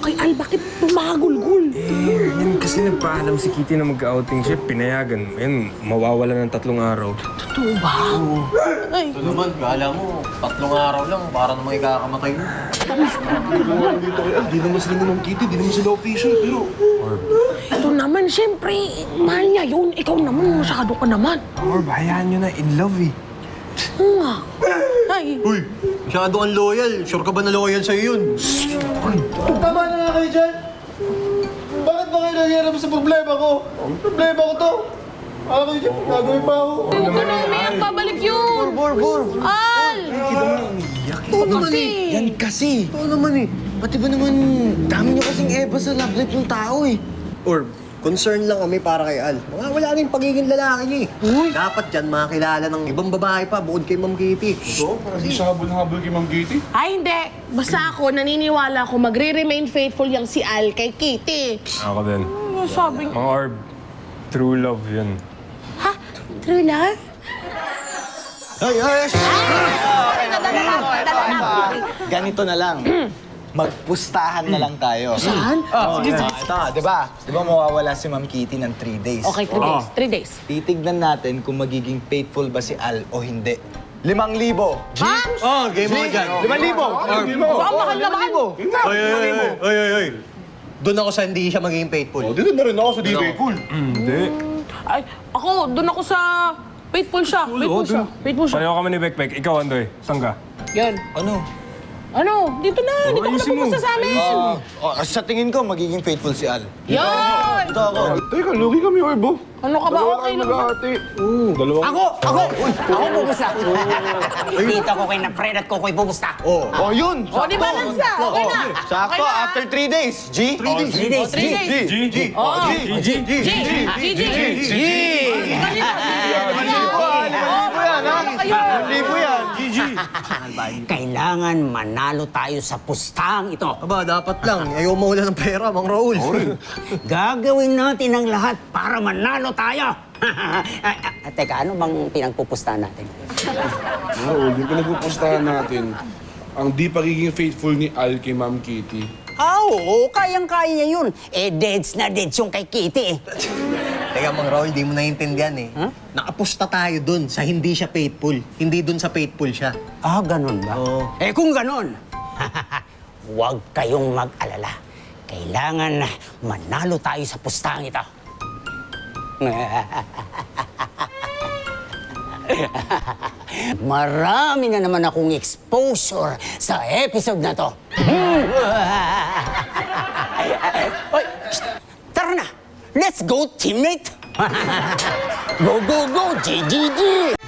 kay Al? Bakit tumagulgul? Yan kasi nagpaalam si Kitty na mag-outing siya. Pinayagan. Yan, mawawala ng 3 araw. Totoo ba? Ay, Ito naman, kala mo, 3 araw lang, para namang ikakamatay mo. Dito kay Al, di naman sila ni Ma'am Kitty, di naman sila official, pero... ito naman, siyempre, mahal niya yun. Ikaw naman, masyado ka naman. Orb, hayaan nyo na. In love eh. Oo nga. Ay, Uy, masyado kang loyal. Sure ka ba na loyal sa'yo yun? Tama na nga kayo dyan! Bakit ba kayo nangyarap sa problema ko? Problema ko to! Alam kayo dyan, gagawin pa ako. huwag ka na umiyak. Babalik yun. Al! Oo naman Kasi. eh. Yan kasi. Oo naman eh. Pati ba naman, dami niyo kasing eba sa love life ng tao eh. Orb, concern lang kami para kay Al. Wala na yung pagiging lalaki niya eh. Dapat dyan makakilala ng ibang babae pa bukod kay Ma'am Kitty. Ito, parang di siya habol-habol kay Ma'am Kitty. Ay, hindi. Basta ako, naniniwala ko magre-remain faithful yang si Al kay Kitty. Ako din. Ano sabi Mga Orb, true love yun. Ha? True love? Ay! Ganito na lang. Magpustahan na lang tayo. Saan? Sige, sige. Ito, di ba? Di ba mawawala si Ma'am Kitty ng 3 days? Okay, 3 days. 3 days. Titignan natin kung magiging faithful ba si Al o hindi. 5,000. Ha? Oh, game mo dyan. 5,000. Baka mahal naman. Ay. Doon ako sa hindi siya magiging faithful. O, dito na rin ako sa di faithful. Hindi. Ay, ako, doon ako sa faithful siya. Faithful siya. Faithful siya. Pareho kami ni Bekbek. Ikaw, Andoy. Saan ka? Yan. Ano? Dito na. Dito ka na ayusin mo. pupunta sa amin. Sa tingin ko, magiging faithful si Al. Yan! Ito ako. Teka, lugi kami, Orbo. Ano ka ba? Okay lang ba? Dalawa. Ako pupusta. Dito ko kay na Fred at ko ko'y pupusta. Oh, yun. O, di balance na. Okay na. Sakto, Okay na. after 3 days. G? 3 days. 3 days. G. Oh, G. G. Libo yan. Kailangan manalo tayo sa pustang ito. Aba, dapat lang. Ayaw mawala ng pera, Mang Raul. Gagawin natin ang lahat para manalo tayo. Teka, ano bang pinagpupustahan natin? Oo, yung pinagpupustahan natin, ang di pagiging faithful ni Al kay Ma'am Kitty. Oo, kayang-kaya niya yun. Deads na deads yung kay Kitty eh. Teka, Mang Raul, di mo naiintindihan eh. Nakapusta tayo dun sa hindi siya faithful. Hindi dun sa faithful siya. Ah, ganun ba? Oo. Kung ganun, huwag kayong mag-alala. Kailangan manalo tayo sa pustahan ito. Marami na naman akong exposure sa episode na to. Oy, psst, tara na! Let's go, teammate! Go, go, go! GGG!